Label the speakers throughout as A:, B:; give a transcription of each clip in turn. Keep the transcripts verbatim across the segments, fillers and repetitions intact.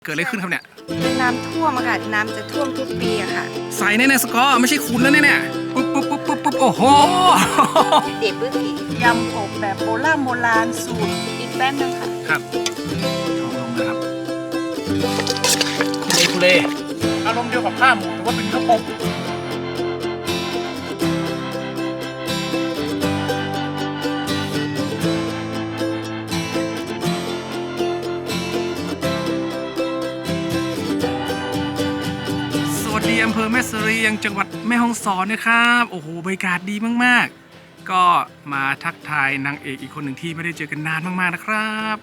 A: เกิดอะไรขึ้นครับเนี่ย
B: น้ำท่วมอะค่ะน้ำจะท่วมทุกปีอะค่ะ
A: ใส่แน่ๆสกอร์ไม่ใช่คุณแล้วเนี่ยปุ๊บปุ๊บปุ๊บปุ๊บปุ๊บโอ้โห
B: เด็ดเบื้องอีก
C: ยำกบแบบโบราณโบราณสูตร
B: อีกแป๊บนึงค่ะ
A: ครับช้อนลงนะครับคุเล่คุเล่
C: อารมณ์เดียวกับข้าวหมูแต่ว่าเป็นข้าวปม
A: สวัสดีอำเภอแม่เสรียงจังหวัดแม่ฮ่องสอนนะครับโอ้โหบรรยากาศดีมากๆก็มาทักทายนางเอกอีกคนหนึ่งที่ไม่ได้เจอกันนานมากๆนะครับ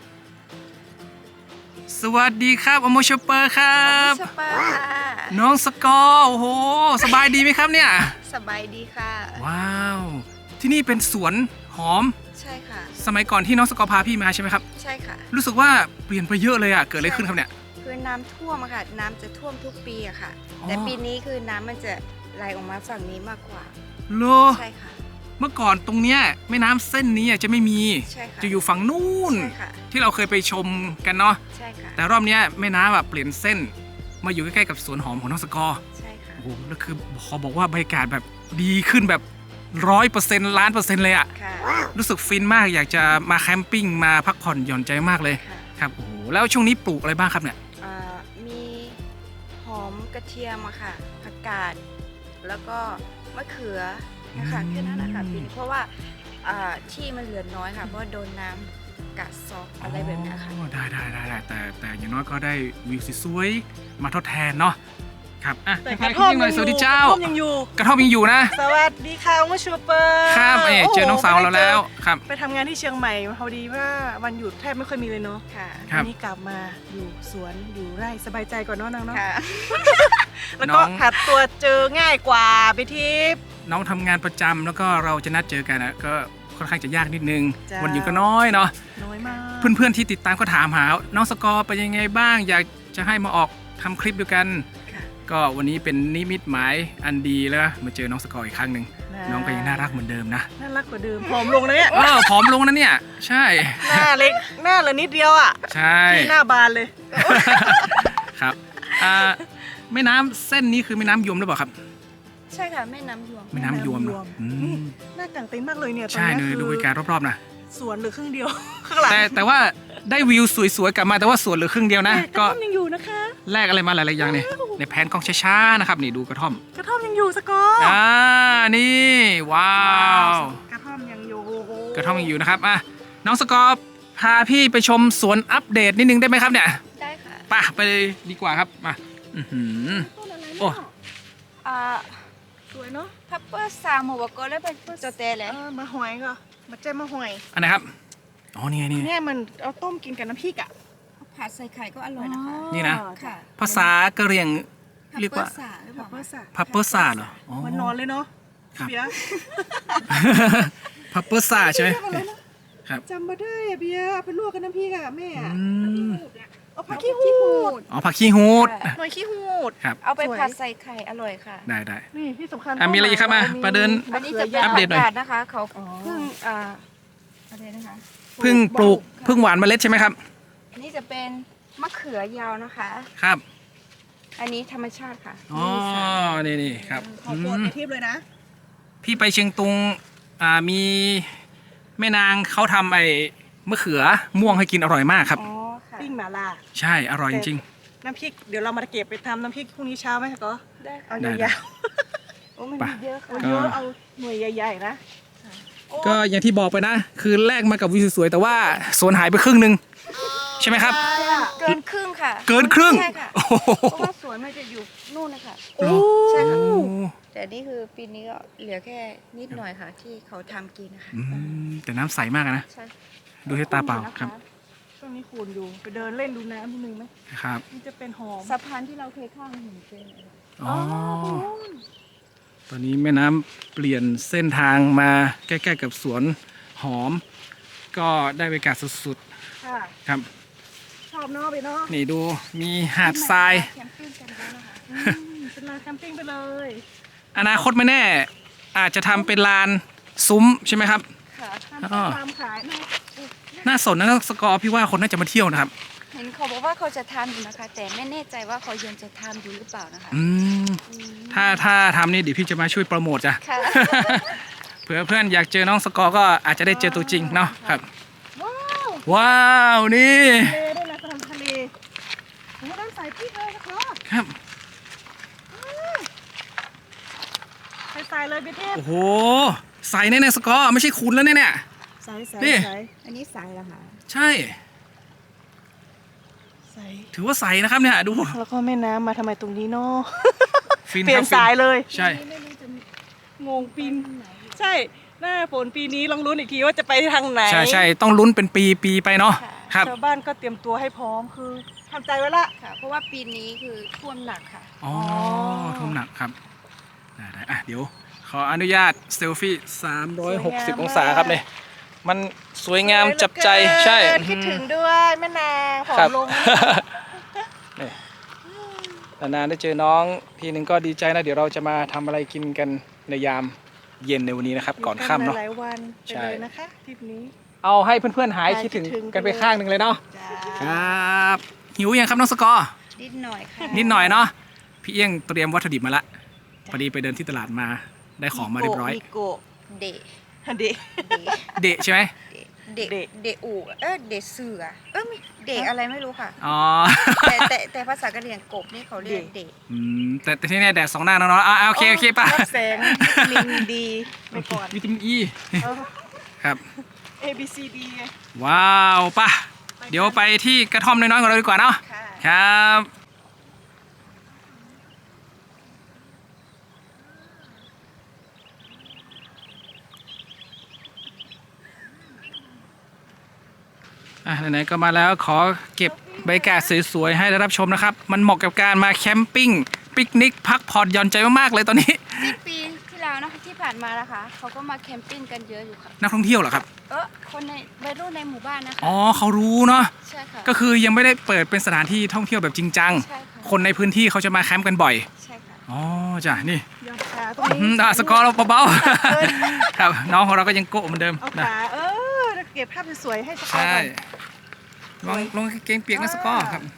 A: สวัสดีครับอโมชเปอร์ครับ
B: ชเปอร์ค่ะ
A: น้องสกอร์โอ้โหสบายดีไหมครับเนี่ย
B: สบายดีค่ะ
A: ว้าวที่นี่เป็นสวนหอม
B: ใช่ค่ะ
A: สมัยก่อนที่น้องสกอร์พาพี่มาใช่ไหมครับ
B: ใช่ค่ะ
A: รู้สึกว่าเปลี่ยนไปเยอะเลยอ่ะเกิดอะไรขึ้นครับเนี่ย
B: คือน้ำท่วมอะค่ะน้ำจะท่วมทุกปีอะค่ะแต่ปีนี้คือน้ำมันจะไหลออกมาฝั่งนี้มากกว่า
A: โล
B: ใช่ค่ะ
A: เมื่อก่อนตรงเนี้ยแม่น้ำเส้นนี้จะไม่มีจะอยู่ฝั่งนู้นที่เราเคยไปชมกันเนาะ
B: ใช่ค่ะ
A: แต่รอบนี้แม่น้ำแบบเปลี่ยนเส้นมาอยู่ใกล้ๆกับสวนหอมของน้องสกอร์
B: ใช่ค่ะ
A: โอ้โหแล้วคือขอบอกว่าบรรยากาศแบบดีขึ้นแบบร้อยเปอร์เซ็นต์ล้านเปอร์เซ็นต์เลยอะรู้สึกฟินมากอยากจะมาแคมปิ้งมาพักผ่อนหย่อนใจมากเลยครับโอ้โหแล้วช่วงนี้ปลูกอะไรบ้างครับเนี่ย
B: มีหอมกระเทียมอะค่ะผักกาดแล้วก็มะเขือนะคะแค่นั้นนะคะปีนี้เพราะว่าที่มันเหลือน้อยค่ะเพราะโดนน้ำกัดซอกอะไรแบบนี้ค่ะ
A: ได้ได้ได้แต่แต่อย่างน้อยก็ได้วิวสวยๆมาทดแทนเนาะครับอ่ะ
C: แต่กระท่อมยังอยู่
A: สวัสดีเจ้าก
C: ระท่อมยังอยู่
A: กระท่อมยังอยู่นะ
C: สวัสดีค่ะว่าชูเปอร์
A: ครับเอเจอน้องสาวเราแล้วครับ
C: ไปทำงานที่เชียงใหม่พอดีว่าวันหยุดแทบไม่ค่อยมีเลยเนาะ
B: ค่ะ
C: วันนี้กลับมาอยู่สวนอยู่ไร่สบายใจก่อนเนาะน้องเนาะ
B: แล้ว
C: ก็หัดตัวเจอง่ายกว่าไปทิพย์
A: น้องทำงานประจำแล้วก็เราจะนัดเจอกันนะก็ค่อนข้างจะยากนิดนึงวันหยุดก็น้อยเนาะ
C: น้อยมาก
A: เพื่อนๆที่ติดตามก็ถามหาน้องสกอร์เป็นยังไงบ้างอยากจะให้มาออกทำคลิปด้วยกันก็วันนี้เป็นนิมิตหมายอันดีแล้วมาเจอน้องสกอร์อีกครั้งหนึ่งน้องก็ยังน่ารักเหมือนเดิมนะ
C: น่ารักกว่าเดิมผอมลงนะเนี่ย
A: เออผอมลงนะเนี่ยใช่
C: หน้าเล็กหน้าเหลือนิดเดียวอ่ะ
A: ใช่
C: หน้าบานเลย
A: ครับอ่าแม่น้ำเส้นนี้คือแม่น้ำยมหรือเปล่าครับ
B: ใช่ค่ะแม่น้ำยวม
A: แม่น้ำยวม
C: น่ากางเต็นท์มากเลยเนี่ย
A: ใช่เลยดูบรรยากาศรอบๆนะ
C: สวนเหลือครึ่งเดียวข้างหลัง
A: แต่แต่ว่าได้วิวสวยๆกลับมาแต่ว่าสวนเหลือครึ่งเดียวนะ
C: ก็กระท่อมยังอยู่นะคะ
A: แลกอะไรมาหลายๆอย่างเนี่ยในแผนกล้องช้าๆนะครับนี่ดูกระท่อม
C: กระท่อมยังอยู่สกอร์
A: อ่านี่ว้าว
C: กระท่อมยังอยู่
A: กระท่อมยังอยู่นะครับอ่ะน้องสกอร์พาพี่ไปชมสวนอัปเดตนิดนึงได้ไหมครับเนี่ย
B: ได้ค่ะ
A: ไปไปเลยดีกว่าครับมาอือหือโอ้
B: อ่า
C: สวยเนาะ
B: พับเปอร์สามหัวก็แล้วเป็นจอเตะเลย
C: มาหอยก็มาเจ้มาหอย
A: อันไหนครับอ๋อนี่ไงนี่
C: เนี่ยมันเอาต้มกินกับน้ำพริกอ่ะ
B: ผัดใส่ไข่ก็อร่อยนะคะ
A: นี่นะภาษากะเหรี่ยงเรียกว่า
C: พับเปอร์สา
A: พับเปอร์สาเหรอ
C: มันนอนเลยเนาะเบียร์
A: พับเปอร์สาใช่ไหมครับ
C: จำมาได้เบียร์ไปลวกกับน้ำพริกอ่ะแม่เอาผักขี้
B: หูด
A: อ๋อผักขี้หูด
C: หน่อยขี้หูด
A: ครับ
B: เอาไปผัดใส่ไข่อร่อยค่ะ
A: ได้ได้
C: นี่ที่สำคัญ
A: อ่ะมีอะไรอีกครับมาประเดิน
B: อันนี้จะเป็นอัปเดตหน่อยนะคะเขาเพิ่งอ่าอะไรนะคะ
A: เพิ่งปลูกเพิ่งหวานเมล็ดใช่ไหมครับ
B: อันนี้จะเป็นมะเขือยาวนะคะ
A: ครับ
B: อันนี้ธรรมชาติค่ะ
A: อ๋อนี่นี่ครับ
C: ขอโปรดไปทิพย์เลยนะ
A: พี่ไปเชียงตุงอ่ามีแม่นางเขาทำไอ้มะเขือม่วงให้กินอร่อยมากครับ
C: ปิ้งหม่าล่า
A: ใช่อร่อยจริง
C: ๆน้ำพริกเดี๋ยวเรามาเก็บไปทำน้ำพริกพรุ่งนี้เช้าไหมคะก็
B: ได้
C: เอายาว
B: ๆโอ้มันเยอะค่ะ
C: เยอะเอาหน่วยใหญ่ๆนะ
A: ก็อย่างที่บอกไปนะคือแลกมากับวิวสวยๆแต่ว่าสวนหายไปครึ่งนึงใช่ไหมครับ
B: เกินครึ่งค่ะ
A: เกินครึ่ง
B: ใช่ค่ะเพราะว่าสวนมันจะอยู่นู่นนะคะใช่ค่ะแต่นี่คือปีนี้ก็เหลือแค่นิดหน่อยค่ะที่เขาทำกินนะคะ
A: แต่น้ำใสมากนะดูที่ตาเปล่าครับ
C: ช่วงนี้คูณอยู่ไปเดินเล่นดูน้ำนิดนึงไหม
A: ครับ
C: มันจะเป็นหอม
B: สะพานที่เราเคยข้ามหินเป็น
A: อ๋อตอนนี้แม่น้ำเปลี่ยนเส้นทางมาใกล้ๆกับสวนหอมก็ได้บรรยากาศสุดๆครับ
C: ชอบเนาะไปเนาะ
A: นี่ดูมีหาดทราย
C: เป็นลานแคมปิ้งไปเลย
A: อนาคตไม่แน่อาจจะทำเป็นลานซุ้มใช่ไหมครับ
C: ค่ะทำขาย
A: น่าสนนะสกอร์พี่ว่าคนน่าจะมาเที่ยวนะครับ
B: เห็นเขาบอกว่าเขาจะทำอยู่นะคะ แต่ไม่แน่ใจว่าเขายังจะทำอยู่หรือเปล่านะคะ
A: อืม
B: อืม
A: ถ้าถ้าทำนี่เดี๋ยวพี่จะมาช่วยโปรโมทจ้ะ
B: ค่ะ
A: เผื่อเพื่อนอยากเจอน้องสกอร์ก็อาจจะได้เจอตัวจริงเนาะครับ
C: ว้าว
A: ว้าวนี่
C: ทะเลด้วยนะทำทะเลโอ้ด้านสายพี่เลยนะคะ
A: ครับ
C: ใส่ใส่เลยพี่เทพ
A: โอ้โหใส่แน่ๆสกอร์ไม่ใช่คุณแล้วเนี่ย
C: ใส่ใส่
A: นี่
C: ใส่
B: อันนี้สายแล้วค่ะ
A: ใช่
C: ใส่
A: ถือว่าใส่นะครับเนี่ยดู
C: แล้วก็แม่น้ำมาทำไมตรงนี้เนาะ
A: ฟิน
C: เปลี่ยน
A: ครับฟิ
C: สายเลย
A: ใช่
B: ไม่รู้จะ
C: งงปีนใช่หน้าฝนปีนี้ลองลุ้นอีกทีว่าจะไปทางไหน
A: ใช่ใช่ต้องลุ้นเป็นปีปีไปเนาะครับ
C: ชาวบ้านก็เตรียมตัวให้พร้อมคือทำใจไว้ละ
B: ค่ะ เพราะว่าปีนี้คือท่วมหนักค่ะ
A: อ๋อ
C: อ
A: ทุ่มหนักครับได้ได้อ่ะเดี๋ยวขออนุญาตเซลฟี่สามร้อยหกสิบองศาครับเนี่ยมันสวยงามจับใจใช่
C: คิดถึงด้วยแม่นางผอ
A: ครับ
C: มลง
A: นี่นานๆได้เจอน้องทีนึงก็ดีใจนะ เดี๋ยวเราจะมาทำอะไรกินกันในยามเย็นในวันนี้นะครับ ก่อนค่ำเนาะ
C: หลายวันไป
A: ใช่
C: เลยนะคะทริปนี้
A: เอาให้เพื่อนๆหาย
C: หาย
A: คิดถึง
C: คิดถึง
A: กันไปข้างหนึ่งเลยเนาะ
B: จ้า
A: ครับหิวยังครับน้องสกอร์
B: นิดหน่อยค่ะ
A: นิดหน่อยเนาะพี่เอี้ยงเตรียมวัตถุดิบมาละพอดีไปเดินที่ตลาดมาได้ของมาเรียบร้อย
C: มิโกะ
B: เดะ
C: เดะ
B: เดะ
A: เดะใช่ไหม
B: เดะ
C: เดะ
B: เดะอูเออเดะเสือเออไม่เดะอะไรไม่รู้ค่ะ
A: อ๋อ
B: แต่แต่แต่ภาษากะเหรี่ยงกบนี่เขาเรียกเดะ
A: อืมแต่แต่ที่แน่แดดสองหน้าเนาะอ่ะโอเคโอเคป่ะ
C: รับแสงวิตามินดีไปก่อน
A: วิตามินอี
C: เออ
A: ครับ
C: A B C D ไง
A: ว้าวป่ะเดี๋ยวไปที่กระท่อมน้อยๆของเราดีกว่าเนาะ
B: ค่ะ
A: ครับอ่ะไหนๆก็มาแล้วขอเก็บบรรยากาศสวยๆให้ได้รับชมนะครับ มันเหมาะกับการมาแคมปิ้งปิกนิกพักผ่อนหย่อนใจมากๆเลยตอนนี้
B: ที่ปีที่แล้วนะคะที่ผ่านมานะคะเขาก็มาแคมปิ้งกันเยอะอยู่ค่ะ
A: นักท่องเที่ยวเหรอครับ
B: เออคนในวัยรุ่นในหมู่บ้านนะคะ
A: อ๋อเขารู้เนาะ
B: ใช่ค่ะ
A: ก็คือยังไม่ได้เปิดเป็นสถานที่ท่องเที่ยวแบบจริงจัง
B: ใช่ค่ะ
A: คนในพื้นที่เขาจะมาแคมป์กันบ่อย
B: ใช่ค่ะ
A: อ๋อจ้ะนี่
C: ยอดขาตรง
A: อื
C: นี้
A: มอ่ะสกอร์เราเบาๆ ครับน้องของเราก็ยังโกะเหมือนเดิม
C: เอา
A: นะ
C: ขาเออเก็บภาพสวยๆให้สกอร์
A: ใช่
C: ก่อน
A: ลองลองเกงเปียกนะสกอร์ครับ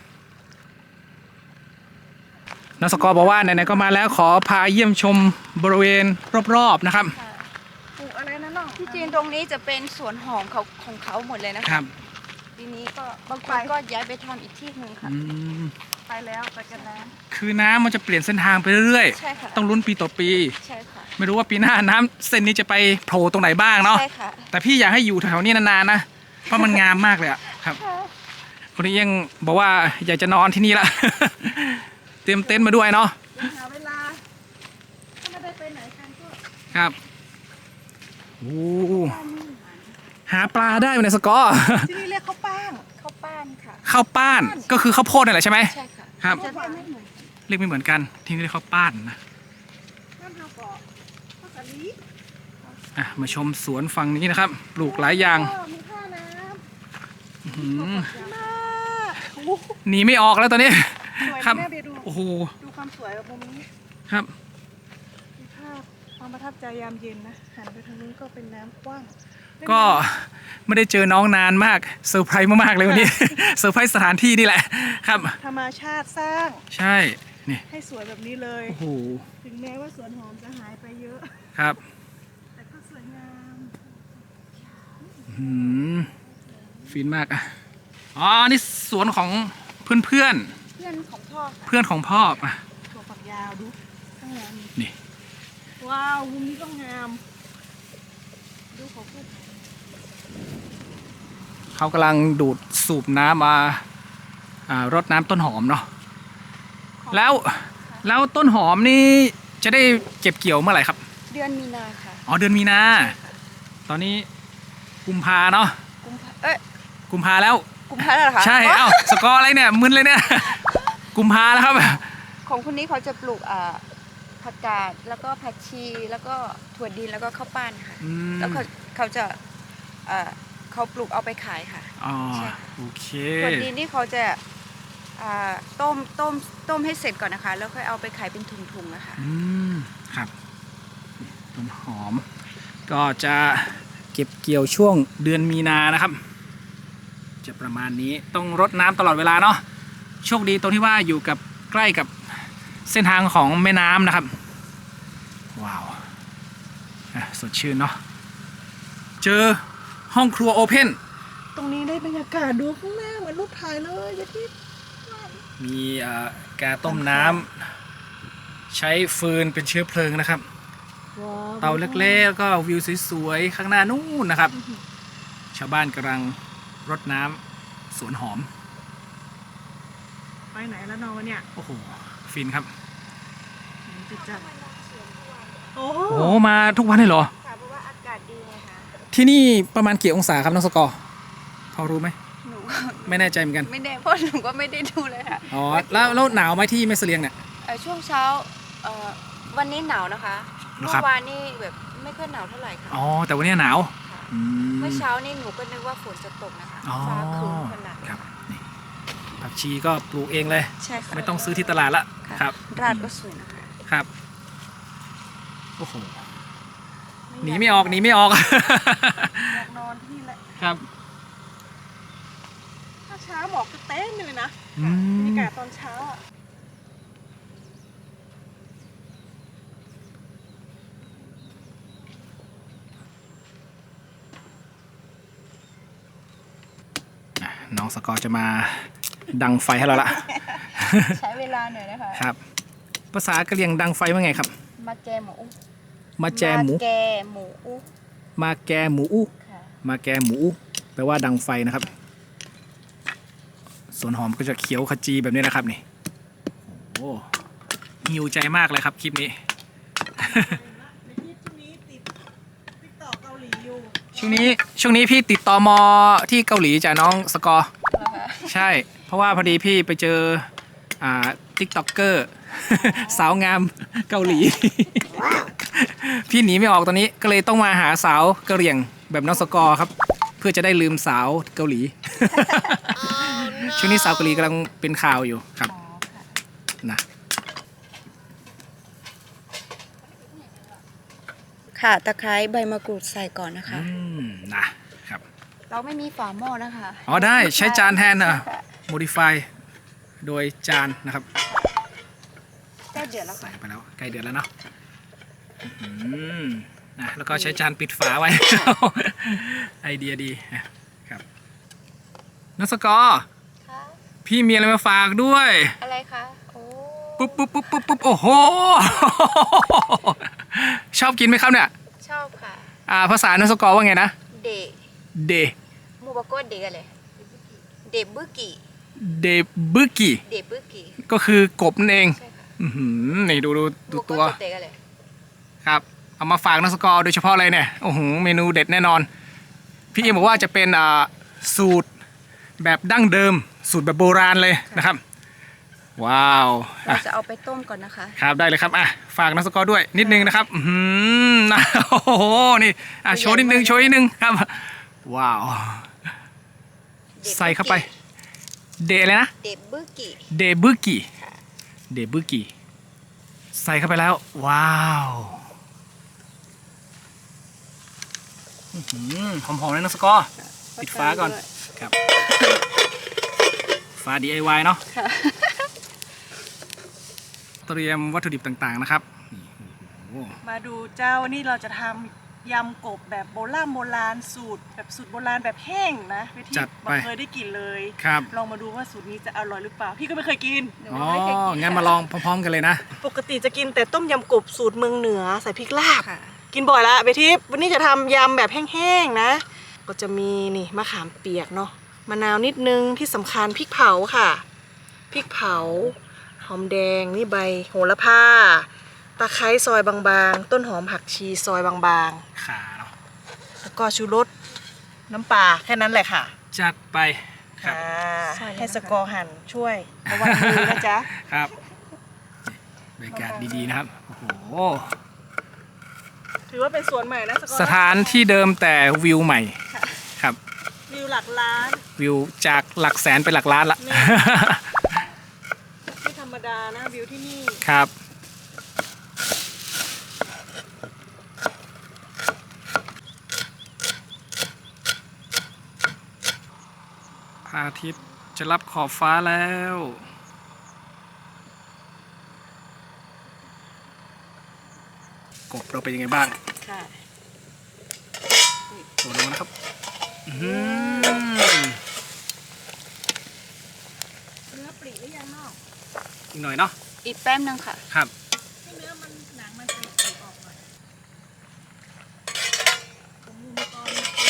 A: น้องสกอร์บอกว่าไหนๆก็มาแล้วขอพาเยี่ยมชมบริเวณรอบๆนะครับ
B: ค่ะ
C: ปลูกอะไรนะน้อง
B: ที่จริงตรงนี้จะเป็นสวนหอมเขาของเขาหมดเลยนะ
A: ค
B: คะ
A: รับ
B: ทีนี้ก็บางคนก็ย้ายไปทำอีกที่หนึ่งค่ะ
A: อืม
C: ไปแล้วไปกันนะ
A: คือน้ำมันจะเปลี่ยนเส้นทางไปเรื่อย
B: ใช่ค่ะ
A: ๆ ต้องลุ้นปีต่อปี
B: ใช่ค่ะ
A: ไม่รู้ว่าปีหน้าน้ำเส้นนี้จะไปโผล่ตรงไหนบ้างเนาะ
B: ใช่ค่ะ
A: แต่พี่อยากให้อยู่แถวๆนี้นานๆนะ เพราะมันงามมากเลยอะครับ คนนี้ยังบอกว่าอยากจะนอนที่นี่ละ เตรียมเต็นท์มาด้วยเนาะ
C: หาเวลาถ้าไม่ได้ไปไหนกันก็
A: ครับโอ้หาปลาได้ไหมเนี่ยสกอร์
C: ที่นี่เรียกข้าวป้าง
B: ข้าวป้านค่ะ
A: ข้าวป้านก็คือข้าวโพดนั่นแหละใช่ไหม
B: ใช่ค่ะ
A: ครับ
B: จะเรียกไม่เหมือนกัน
A: เรียกไม่เหมือนกัน ที่นี่เรียกข้าวป้านนะ
C: น้ำเฮาเกาะข้าวสาลี
A: อ่ะมาชมสวนฝั่งนี้นะครับ ปลูกหลายอย่าง
C: ก็มีท่าน้
A: อื้อหือ
C: ำมาโอ้โห
A: หนีไม่ออกแล้วตอนนี้
C: สวย
A: ครับ
C: แม่เบียร์ดู
A: โอ้โห
C: ดูความสวยแบบมุมนี้
A: ครับ
C: มีภาพความประทับใจยามเย็นนะหันไปทางนู้นก็เป็นน้ำกว้าง
A: ก็ไม่ได้เจอน้องนานมากเซอร์ไพรส์มากๆเลยวันนี้ เซอร์ไพรส์สถานที่นี่แหละครับ
C: ธรรมชาติสร้าง
A: ใช่นี่
C: ให้สวยแบบนี้เลย
A: โอ้โห
C: ถึงแม้ว่าสวนหอมจะหายไปเยอะ
A: ครับ
C: แต่ก็สวยงาม
A: อืมฟินมากอ่ะอ๋อนี่สวนของเพื่อนเพื่อน
B: เพื่อนของพ่อค่ะ
A: เพื่อนของพ่ออ่ะ
C: ถั่วฝักยาวดูข้างหลัง
A: นี่
C: ว้าวมุมนี้ก็งาม ดูเขาพูด
A: เขากำลังดูดสูบน้ำมาอ่ารดน้ำต้นหอมเนาะแล้วแล้วต้นหอมนี่จะได้เก็บเกี่ยวเมื่อไหร่ครับ
B: เดือนมีนาค่ะ
A: อ๋อเดือนมีนา ตอนนี้กุมภาเนาะ
B: กุมภาเอ้ย
A: กุมภาแล้ว
B: กุมภาแล้วเหรอคะ
A: ใช่ เอ้าสกอร์อะไรเนี่ยมึนเลยเนี่ย กุมภาแล้วครับ
B: ของคนนี้เขาจะปลูกอ่าผักกาดแล้วก็ผักชีแล้วก็ถั่วดินแล้วก็ข้าวปั้นค่ะ
A: อืม
B: แล้วเขาเขาจะเอ่อเขาปลูกเอาไปขายค่ะ
A: อ๋อ
B: ใช่
A: โอเค
B: ถั่วดินนี่เขาจะอ่าต้มต้มต้มให้เสร็จก่อนนะคะ แล้วค่อยเอาไปขายเป็นถุงๆนะคะ
A: อืมครับต้นหอม ก็จะเก็บเกี่ยวช่วงเดือนมีนานะครับ จะจะประมาณนี้ต้องรดน้ำตลอดเวลาเนาะโชคดีตรงที่ว่าอยู่กับใกล้กับเส้นทางของแม่น้ำนะครับว้าวอ่ะสดชื่นเนาะเจอห้องครัวโอเพน
C: ตรงนี้ได้บรรยากาศดูข้างหน้าเหมือนรูปถ่ายเลยยายทิพย์
A: มีเอ่อแกาต้มน้ำใช้ฟืนเป็นเชื้อเพลิงนะครับ
C: ว้าว
A: เตาเล็กๆแล้วก็วิวสวยๆข้างหน้านู่นนะครับ ชาวบ้านกำลังรดน้ำสวนหอม
C: ไปไหนแล้วนอนเนี่ย
A: โอ้โหฟินครับ
C: จิตจัดโอ้
A: โอ้มาทุกวันเลยเหรอ
B: ค่ะเพราะว่าอากาศดีไงคะ
A: ที่นี่ประมาณกี่องศาครับน้องสกอร์พอรู้ไหม
B: หนู
A: ไม่แน่ใจเหมือนกัน
B: ไม่ได้เพราะหนูก็ไม่ได้ดูเลยค่ะ
A: อ๋อแล้วแล้วหนาวไหมที่แม่เสลียงเนี่ย
B: เอ่อช่วงเช้าเอ่อวันนี้หนาวนะคะ
A: เหรอ
B: เมื่
A: ครับ
B: อวานนี่แบบไม่ค่อยหนาวเท่าไหร่ค่ะ
A: อ๋อแต่วันนี้หนาว
B: ค่ะ
A: อืม
B: เมื่อเช้านี่หนูก็นึกว่าฝนจะตกนะคะ
A: อ๋อ
B: ฟ้าครึ้มขนาด
A: ครับนี่ผักชีก็ปลูกเองเลย
B: ใช่ค่ะ
A: ไม่ต้องซื้อที่ตลาดละ
B: ค่ะ
A: ครับ
B: ราดก็สวยนะคะ
A: ครับโอ้โหหนีไม่ออกหนีไม่ออก
C: อยากนอนที่นี่แหละ
A: ครับ
C: ถ้าเช้าหมอกจะเต้นเลยนะ
A: อื
C: บรร
A: ม
C: ยากาศตอนเช้าอ่ะ
A: อ่ะน้องสกอร์จะมาดังไฟให้เราละ
B: ใช้เวลาหน่อยนะคะ
A: ครับ ภาษากะเหรี่ยงดังไฟว่าไงครับ
B: มาแกหมู
A: มาแจหมู
B: าแกหมูอุ
A: มาแกหมูอู้
B: ค่ะ
A: มาแกหมูอู้แปลว่าดังไฟนะครับ ส่วนหอมก็จะเขียวขจีแบบนี้นะครับนี่โอ้หิวใจมากเลยครับคลิปนี้
C: ในที่ช่วงนี้ติดติ๊กต็อกเกาหลีอยู่
A: ช่วงนี้ช่วงนี้พี่ติดต่อมอที่เกาหลีจากน้องสกอร์
B: เหรอคะ
A: ใช่ เพราะว่าพอดีพี่ไปเจออ่าทิกต็อกเกอร์ สาวงามเกาหลี พี่หนีไม่ออกตอนนี้ก็เลยต้องมาหาสาวกะเหรี่ยงแบบน้องสกอร์ครับ เพื่อจะได้ลืมสาวเกาหลี ช่วงนี้สาวเกาหลีกำลังเป็นข่าวอยู่ครับ
B: อ๋อค่ะ
A: นะ
B: ค่ะตะไคร้ใบมะกรูดใส่ก่อนนะคะ
A: อืมนะครับ
B: เราไม่มีฝาหม้อนะคะ
A: อ๋อได้ใช้จานแทนนะ
B: ใช่ค่ะ
A: modify โดยจานนะครับ
B: ใกล้เดือดแล้ว
A: ใส่
B: ค่ะ
A: ไปแล้วใกล้เดือนแล้วเนาะอื้อหือนะแล้วก็ใช้จานปิดฝาไว้ ไอเดียดีนะครับนักสกอร์
B: ค่ะ
A: พี่มีอะไรมาฝากด้วย
B: อะไรคะโอ้
A: ปุ๊บปุ๊บปุ๊บปุ๊บปุ๊บโอ้โห ชอบกินไหมครับเนี่ย
B: ชอบค่ะ
A: อ่าภาษานักสกอร์ว่าไงนะ
B: เด
A: เด
B: หมูบะโก้เดอะไรเดบึกิ
A: เดบึกิ
B: เดบึกิ
A: ก็คือกบนั่นเอง
B: ใช่ค่ะ
A: อื้อหือนี่ดูดูดูตัว
B: หมูบะโก้เดอะไร
A: ครับเอามาฝากนักสกอร์โดยเฉพาะเลยเนี่ยโอ้โหเมนูเด็ดแน่นอน พี่เอ็มบอกว่าจะเป็นอ่าสูตรแบบดั้งเดิม สูตรแบบโบราณเลยนะครับ ว้าว
B: เรา
A: อ่ะ
B: จะเอาไปต้มก่อนนะคะ
A: ครับได้เลยครับอ่ะฝากนักสกอร์ด้วยนิดนึงนะครับอือหือนะโอ้โหนี่อ่ะโชว์นิดนึงโชว์นิดนึงครับว้าว
B: เดบึกิ
A: ใส่เข้าไปเดอะไรนะ
B: เดบึกิ
A: เดบึกิเดบึกิใส่เข้าไปแล้วว้าวอื้อหือหอมๆเลยนักสกอร์ปิดฝาก่อนครับฝา ดี ไอ วาย เนาะ
B: ค่ะ
A: เตรียมวัตถุดิบต่างๆนะครับนี่โอ้โห
C: มาดูเจ้าวันนี้เราจะทำยำกบแบบโบราณโบราณสูตรแบบสูตรโบราณแบบแห้งนะไปที่บอกเคยได้กินเลย
A: ครับ
C: ลองมาดูว่าสูตรนี้จะอร่อยหรือเปล่า พี่ก็ไม่เคยกิน
B: หนู
A: อ๋อ
B: ไม่เคยกิน
A: งั้นมาลองพร้อมๆกันเลยนะ
C: ปกติจะกินแต่ต้มยำกบสูตรเมืองเหนือใส่พริกลาบ
B: ค่ะ
C: กินบ่อยละเบทิปวันนี้จะทำยำแบบแห้งๆนะ ก็จะมีนี่มะขามเปียกเนาะมะนาวนิดนึงที่สำคัญพริกเผาค่ะพริกเผาหอมแดงนี่ใบโหระพาตะไคร้ซอยบางๆ ต้นหอมผักชีซอยบาง
A: ขาเนาะ
C: ๆ แล้วก็ชูรสน้ำปลาแค่นั้นแหละค่ะ
A: จัดไปครับ
C: ค่ะ
B: ใส่เลยนะคะ
C: ให้สกอร์หั่นช่วยระวังมือนะจ๊ะ
A: ครับบรรยากาศดีๆนะครับโอ้โห
C: ถือว่าเป็นสวนใหม่นะสกอร์
A: สถานที่เดิมแต่วิวใหม่ครับ
C: วิวหลักล้าน
A: วิวจากหลักแสนเป็นหลักล้านละ
C: นี่ ไม่ธรรมดานะวิวที่นี่
A: ครับระอาทิตย์จะรับขอบฟ้าแล้วกบเราเป็นยังไงบ้าง
B: ค่ะ
A: โดดลงมานะครับอื้อหือ
C: เนื้อปลีหรือยังนอก
A: อีกหน่อยเนาะ
B: อีกแป๊บนึงค่ะ
A: ครับ
C: ให้เนื้อมันหนังมันปลีปลีออกหน่อยตรงนี้ก่อน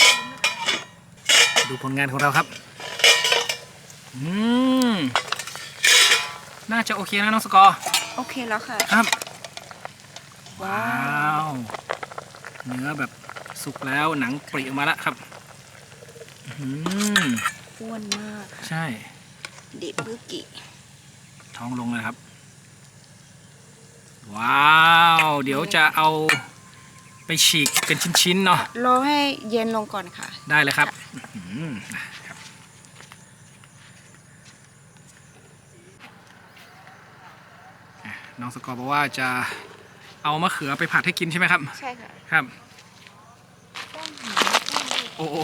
A: ดูผลงานของเราครับอืมน่าจะโอเคนะน้องสกอร์
B: โอเคแล้วค่ะ
A: ครับ
B: ว้า
A: ว้าว เนื้อแบบสุกแล้วหนังปริออกมาแล้วครับอื้อหือ
B: อ้วนมากค่ะ
A: ใช่
B: ดิบบุกิ
A: ท้องลงเลยครับ ว้าว เดี๋ยวจะเอาไปฉีกเป็นชิ้นๆเนาะ
B: รอให้เย็นลงก่อนค่ะ
A: ได้เลยครับอื้อหือครับอ่ะน้องสกอร์บอกว่าจะเอามะเขือไปผัดให้กินใช่ไหมครับ
B: ใช่ค่ะ
A: ครับ
B: ต้นหอมต้นนี้
A: โอ้โห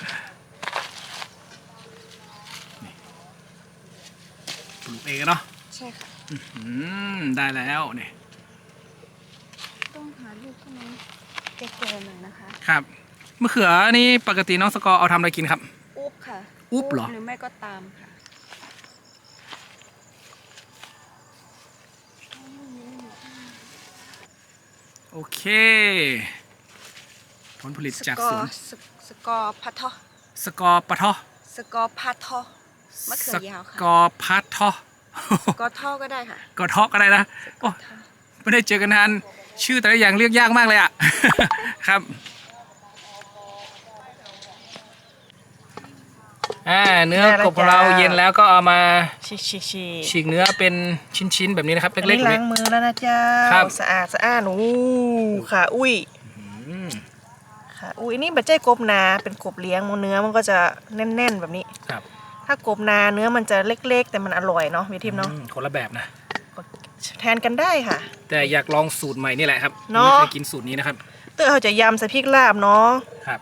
A: นี่ปลูกเองเนาะ
B: ใช่ค่ะ
A: อืมได้แล้วเนี่ย
B: ต้องหาลูกต้นนี้แก่ๆหน่อยนะคะ
A: ครับมะเขือนี่ปกติน้องสกอร์เอาทำอะไรกินครับ
B: อุ๊บค่ะ
A: อุ๊บเหรอ
B: หรือไม่ก็ตามค่ะ
A: โอเค ผลผลิต
B: ส
A: จาก
B: กอ
A: สวน
B: ร์สสกอร์พัททอ
A: สกอร์ปะทอ
B: สกอร์พัททอมะเขือยาว
A: ส
B: ค่ะ
A: กอร์พัดทอ
B: สกอร์ท่อก็ได้ค่ะ
A: กอทอก็ได้นะโอ้ไม่ได้เจอกันนานชื่อแต่ละอย่างเรียกยากมากเลยอ่ะ ครับอ่าเนื้อกบของเราเย็นแล้วก็เอามา
C: ฉีกฉีกฉีก
A: ฉีกเนื้อเป็นชิ้นๆแบบนี้นะครับ
C: อัน
A: เล็ก
C: นี้
A: ๆ
C: ล้า
A: เล็
C: ง
A: ก
C: มือแล้วนะเจ้า
A: ครับ
C: สะอาดสะอาดหนูค่ะอุ้ย
A: อืม
C: ค่ะอุ้ยอันนี่บัจเจ้กบนาเป็นกบเลี้ยงมันเนื้อมันก็จะแน่นๆแบบนี้
A: ครับ
C: ถ้ากบนาเนื้อมันจะเล็กๆ แต่มันอร่อยเนาะพี่ทิพย์เนาะ
A: อืมคนละแบบนะ
C: แทนกันได้ค่ะ
A: แต่อยากลองสูตรใหม่นี่แหละครับ
C: เนอะ
A: ไม่เคยกินสูตรนี้นะครับ
C: เตอเขาจะยำใส่พริกลาบเนาะ
A: ครับ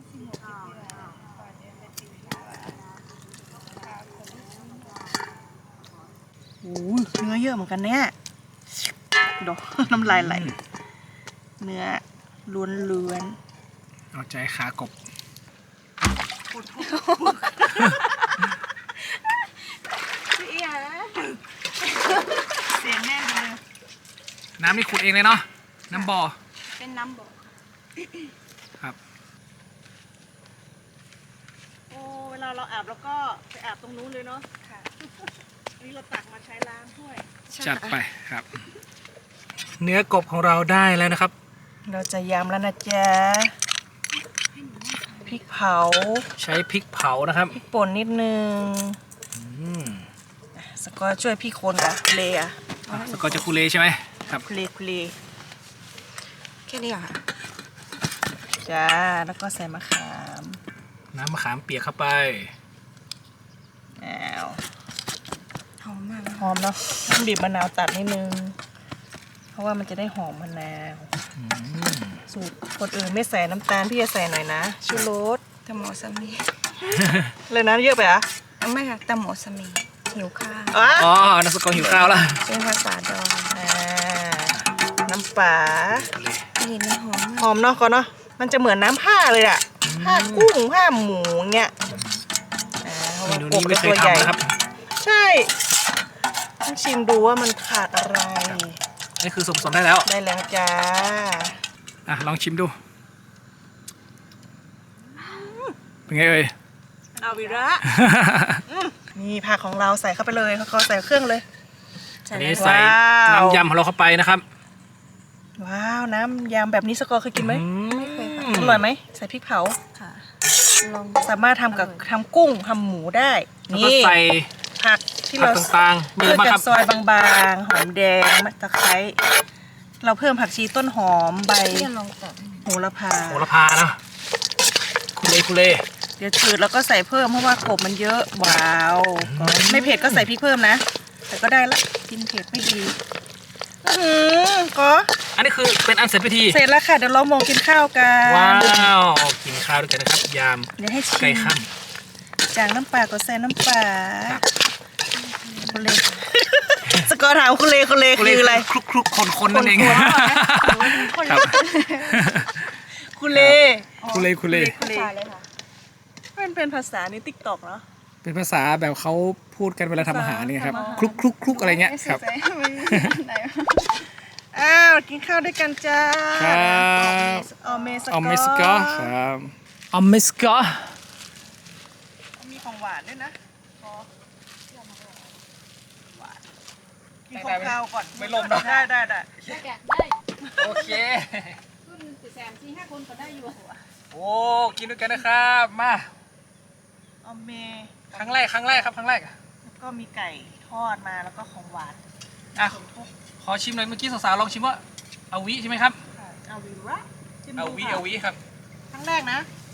C: โอ้ยเนื้อเยอะเหมือนกันเนี่ยดอก น้ำลายไหลเนื้อล้วนล้วน
A: เอาใจขากบ
C: เสียงแน่นเลย
A: น้ำนี่ขุดเองเลยเนาะน้ำบ่อ
B: เป็นน้ำบ่อ
A: ครับ
C: โอ้เวลาเราอาบแล้วก็ไปอาบตรงนู้นเลยเนาะ
B: ค่ะ
C: อันนี้เราตักมาใช้ล้างถ้วย
A: จัดไปครับ เนื้อกบของเราได้แล้วนะครับ
C: เราจะยำแล้วนะจ๊ะพริกเผา
A: ใช้พริกเผานะครับ
C: พริกป่นนิดนึง
A: อืม
C: สกอร์ช่วยพี่คนอะเลอะ
A: อ่ะสกอร์จะคูเลใช่ไหมครับ
C: คุเลคุเล
B: แค่นี้เหรอค่ะ
C: จ้าแล้วก็ใส่มะขาม
A: น้ำมะขามเปียกเข้าไป
C: อ้าว
B: หอมมาก
C: หอมเนาะน้ำบีบมะนาวตัดนิดนึง เพราะว่ามันจะได้หอมมะนาว
A: อืม
C: สูตรคนอื่นไม่ใส่น้ำตาลพี่จะใส่หน่อยนะชูรส
B: ตะโมสมี
C: เลยนะเยอะไปอ่ะ
B: เอาไม่ค่ะตะโมสมีหิวข้าว
C: อ๋อ
A: อ๋อน้ำสกอร์หิวข้าวแล้ว
B: เป็นภาษาดอง
C: อ่าน้ำปลา
B: กลิ่นนี่หอม
C: ห
B: มาก
C: อมเนาะก่อนเนาะมันจะเหมือนน้ำผ้าเลยอะผ้ากุ้งผ้าหมูเงี้ยอ่าเพราะ
A: เม
C: ว่า
A: นู
C: ก
A: นี้
C: บ
A: ไม่
C: เรา
A: เค
C: ตั
A: ยว
C: ใหญ่
A: ทำนะครับ
C: ใช่ต้องชิมดูว่ามันขาดอะไร
A: นี่คือส่วนผสมได้แล้ว
C: ได้แล้วจ้า
A: อ่ะลองชิมดู เป็นไงเอ่ย
C: อาวิระ นี่ผักของเราใส่เข้าไปเลยเขาใส่เครื่องเลย
A: อันนี้ใส่
C: ว้าว
A: น้ำยำของเราเข้าไปนะครับ
C: ว้าวน้ำยำแบบนี้สกอร์เคยกินไหม
B: ไม่เคยค่ะ
C: อร่อยไหมใส่พริกเผา
B: ค่ะ ลอง
C: สามารถทำกับทำกุ้งทำหมูได้
A: แล้วก็
C: นี่
A: ใส่
C: ผักที่
A: ผัก
C: เรา
A: ต่างๆมี
C: เลื
A: อะไร
C: อก
A: บ้าง
C: กั
A: ครับ
C: นซอยบางๆ หอมแดงมะตะไคร้ เราเพิ่มผักชีต้นหอมใบ
B: พี่จะลองตัดให้หน่อย
C: โหระพา
A: โหระพานะคุเลคุเล
C: เดี๋ยวจืดแล้วก็ใส่เพิ่มเพราะว่ากบมันเยอะ ว้าวก็ไม่เผ็ดก็ใส่พริกเพิ่มนะ แต่ก็ได้ละ กินเผ็ดไม่ดีอื้อหือก็
A: อันนี้คือเป็นอันเสร็จพิธี
C: เสร็จแล้วค่ะ เดี๋ยวเรามองกินข้าวกัน
A: ว้าวกินข้าวด้วยกันนะครับ ยาม
C: เดี๋ยวให้ชิ
A: ไก่
C: ม
A: ข้าม
C: จางน้ำปลาก็ใส่น้ำปลา
A: ครับ
C: คุณเล สกอร์ถามคุณเลคุณเลคืออะไร
A: คลุกคลุกคนคนนั่นเอง
C: คน
A: ครับ
C: คุณเล
A: คุเลคุเล
C: คุณเล
B: ใช่เลยค่ะ
C: มันเป็นภาษาในติ๊กต็อกเนาะ
A: เป็นภาษาแบบเขาพูดกันเวลาทำอาหารเนี่ยครับ
C: ทำอาหาร
A: คลุกคลุกคลุกอะไรเงี้ยครับ
C: อ้าวกินข้าวด้วยกันจ้า
A: ครับ
C: ออเมสกอ
A: ออมเมสกอครับออมเมสกอ
C: มีของหวานด้วยนะพอหวานกิน
A: ได้
C: ของ
A: ไหม
C: ข้าวก่อน
A: ไม่ลมนะ
C: ได้ได้ได้
D: ได้แกะได้
A: โอเค
D: ขึ้นสี่แสนสี่ห้าคนก็ได้อยู่
A: โอ้กินด้วยกันนะครับมา
C: ออเม
A: ครั้งแรกครั้งแรกครับครั้งแรก
C: แล้วก็มีไก่ทอดมาแล้วก็ของหวาน
A: อ่ะขอชิมหน่อยเมื่อกี้สาวๆลองชิมว่าเอาวิใช่ไหมครับ
C: เอาวิระจิ้ม
A: เอา
C: ดู
A: วิ
C: ค่ะ
A: เอาวิครับ
C: ครั้งแรกนะ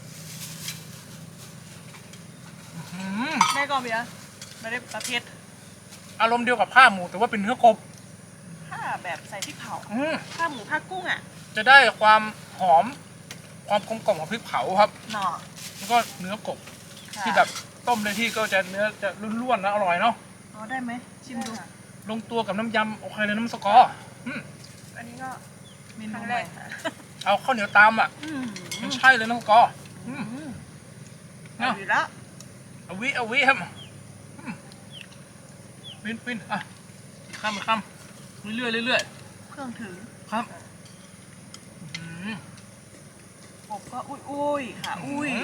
A: อืม
C: ได้ก่อนเบียร์ไม่ได้ประเภท
A: อารมณ์เดียวกับผ้าหมูแต่ว่าเป็นเนื้อกบ
C: ผ้าแบบใส่พริกเผา
A: อืม
C: ผ้าหมูผ้ากุ้งอ่ะ
A: จะได้ความหอม ความกลมกล่อมของพริกเผาครับ
C: หน่อ
A: แล้วก็เนื้อกบ
C: ค่ะ
A: ที่แบบต้มในที่ก็จะเนื้อจะร่วนๆนะอร่อยเนาะ
C: อ๋อได้ไหมชิมดู
A: ลงตัวกับน้ำยำโอเคเลยน้ำสกอร์อืม
C: อันนี้ก็เมนู
B: ครั้ง
C: ให
B: แร
C: ม่
B: กค่ะ
A: เอาข้าวเหนียวตามอ่ะ
C: อืม
A: มันใช่เลยน้ำสกอร์อืม
C: อืม
A: เนาะ
C: เอาวิระ
A: เอาวิเอาวิครับอืมปินปินอ่ะอีกคำอีกคำเรื่อยๆเรื่อย
C: เครื่องถึง
A: ๆครับอืม
C: กบก็อุ้ยอุ้ยขาอุ้ย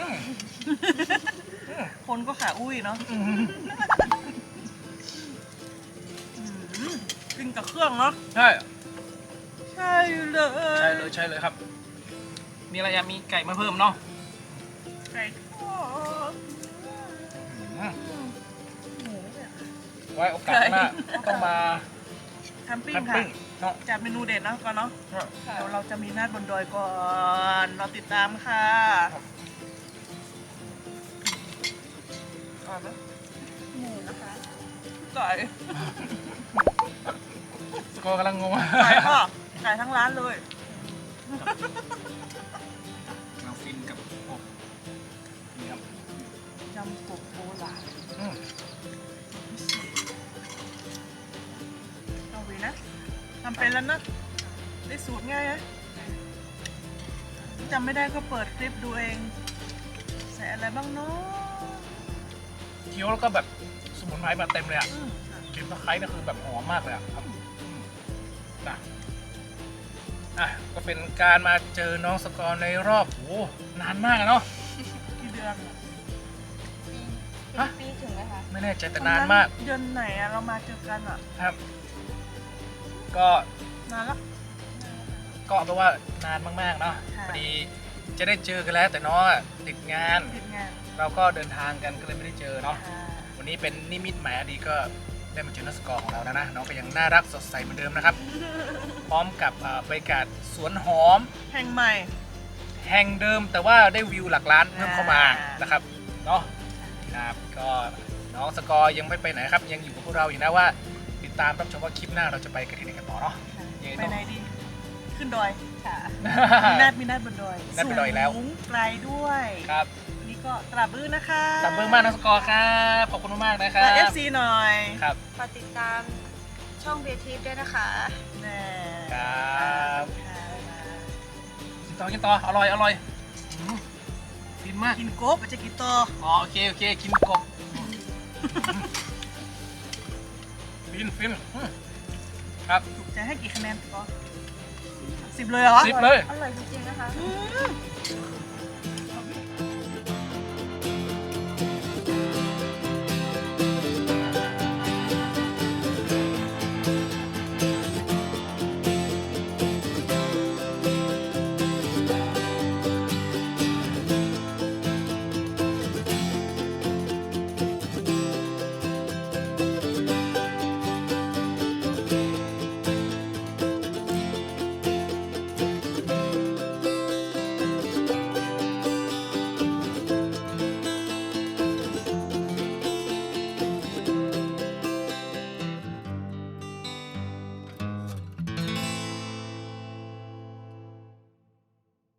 C: คนก็ขาอุ้ยเนาะ
A: อืม
C: อืมกินกับเครื่องเนาะ
A: ใช่
C: ใช่เลย
A: ใช่เลยใช่เลยครับ มีอะไรอยากมีไก่มาเพิ่มเนาะ
C: ไก่ทอด
A: อืม
C: หมูเนี่ย
A: ไว้โอกาสหน้าต้องมา
C: แคมปิ้ง
A: แคม
C: ค่ะ
A: ปิ้งเนาะ
C: จัดเมนูเด็ดเนาะก่อนเนาะ
A: ครับ
C: เดี๋ยวเราจะมีนาดบนดอยก่อน เราติดตามค่ะ
A: ครับ
C: อร่อยไหม
B: หมูนะคะ
C: ไก่
A: สกอร์กำลังงง
C: ไก่ก็ไก่ทั้งร้านเลย
A: เราฟินกับกบนี่ครับ
C: ยำกบโบราณ
A: อืม
C: เอาไว้นะทำเป็นแล้วนะ ได้สูตรง่ายนะจำไม่ได้ก็เปิดคลิปดูเอง ใส่อะไรบ้างเนาะ
A: เคี้ยวแล้วก็แบบสมุนไพรมาเต็มเลยอ่ะ
C: อืม
A: กลิ่นตะไคร้นี่คือแบบหอมมากเลยอ่ะครับอืมนะอ่ะก็เป็นการมาเจอน้องสกอร์ในรอบโอ้นานมากอะเนาะ
C: กี่เดือนอะ
B: ปี
A: ฮะ
B: ปีถึงไหมคะ
A: ไม่แน่ใจแต่นานมาก
C: เดือนไหนอะเรามาเจอกันอะ
A: ครับ ก็
C: นานละ
A: ก็เอาเป็นว่านานมากๆเนาะ
C: ค่ะ
A: พอดีจะได้เจอกันแล้วแต่น้องอะติดงาน
C: ติดงาน
A: เราก็เดินทางกันก็เลยไม่ได้เจอเนาะ
C: ค่ะ
A: วันนี้เป็นนิมิตหมายอันดีก็ได้มาเจอนักสกอร์ของเราแล้วนะน้องก็ยังน่ารักสดใสเหมือนเดิมนะครับ พร้อมกับเอ่อบรรยากาศสวนหอม
C: แห่งใหม่
A: แห่งเดิมแต่ว่าได้วิวหลักล้านเพิ่มเข้ามา
C: อ่าน
A: นะครับเนาะครับก็น้องสกอร์ยังไม่ไปไหนครับ ยังอยู่กับพวกเราอยู่นะว่า ติดตามรับชมว่าคลิปหน้าเราจะไปกันที่ไหนกันต่อเนาะ ยังไง
C: ไป
A: ต้อง
C: ไหนดี ขึ้นดอย
B: ค่ะ
C: มีนัดมีนัดบนดอย
A: นัดบนดอยแล้ว
C: สูงไกลด้วย
A: ครับ
C: วันนี่ก็ตราบบื้อนะคะ
A: ตับเบิ้งมากน้องสกอร์ครับขอบคุณมากๆนะครั
C: และ
A: บ
C: เอฟซีหน่อย
A: ครับ
B: ฝากติดตามช่องเบทีฟด้วยนะคะ
C: แน่
A: ครับ
C: ค่ะ
A: กินต่อกินต่ออร่อยอร่อยอืมฟินมาก
C: กินกบจะกินต่อ
A: อ๋อโอเคโอเคกินกบฟินฟินอืมครับ
C: ถูกใจให้กี่คะแนนก็สิบเลยเหรอ
A: สิบเลย
B: อร่อยจริงๆนะคะ
C: อืม